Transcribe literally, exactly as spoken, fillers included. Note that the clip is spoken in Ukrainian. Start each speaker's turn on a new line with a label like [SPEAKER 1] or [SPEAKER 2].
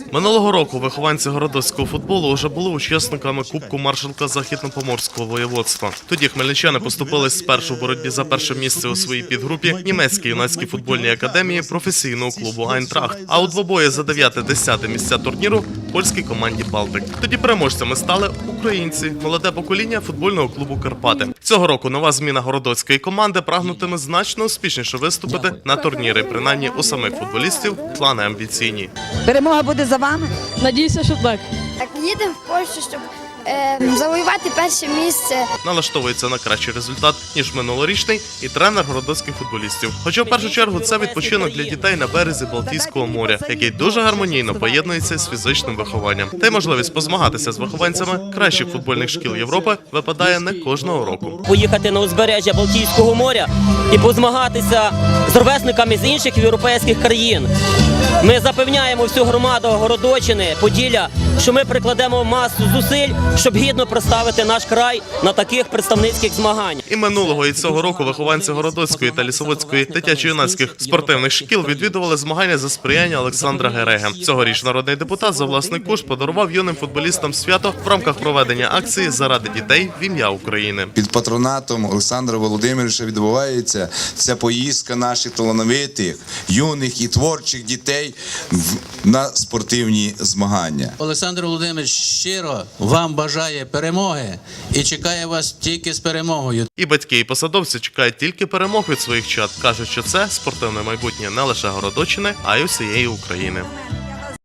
[SPEAKER 1] Минулого року вихованці городоцького футболу вже були учасниками Кубку маршалка Західно-Поморського воєводства. Тоді хмельничани поступились спершу в боротьбі за перше місце у своїй підгрупі німецькій юнацькій футбольній академії професійного клубу «Айнтрахт», а у двобої за дев'яте-десяте місця турніру польській команді «Балтик». Тоді переможцями стали українці, молоде покоління футбольного клубу «Карпати». Цього року нова зміна городоцької команди прагнутиме значно успішніше виступити на турнірі, принаймні у самих футболістів плани амбіційні.
[SPEAKER 2] Перемога буде за вами?
[SPEAKER 3] Надіюся, що так.
[SPEAKER 4] Так, їдемо в Польщу, щоб е, завоювати перше місце.
[SPEAKER 1] Налаштовується на кращий результат, ніж минулорічний, і тренер городоцьких футболістів. Хоча в першу чергу це відпочинок для дітей на березі Балтійського моря, який дуже гармонійно поєднується з фізичним вихованням. Та й можливість позмагатися з вихованцями кращих футбольних шкіл Європи випадає не кожного року.
[SPEAKER 5] Поїхати на узбережжя Балтійського моря і позмагатися з ровесниками з інших європейських країн. Ми запевняємо всю громаду Городочини, Поділля, що ми прикладемо масу зусиль, щоб гідно представити наш край на таких представницьких змаганнях.
[SPEAKER 1] І минулого, і цього року вихованці Городоцької та Лісоводської дитячо-юнацьких спортивних шкіл відвідували змагання за сприяння Олександра Гереги. Цьогоріч народний депутат за власний кошт подарував юним футболістам свято в рамках проведення акції «Заради дітей в ім'я України».
[SPEAKER 6] Під патронатом Олександра Володимировича відбувається ця поїздка наших талановитих, юних і творчих дітей на спортивні змагання.
[SPEAKER 7] Олександр Володимирович щиро вам бажає перемоги і чекає вас тільки з перемогою.
[SPEAKER 1] І батьки, і посадовці чекають тільки перемог від своїх чад. Кажуть, що це спортивне майбутнє не лише Городочини, а й усієї України.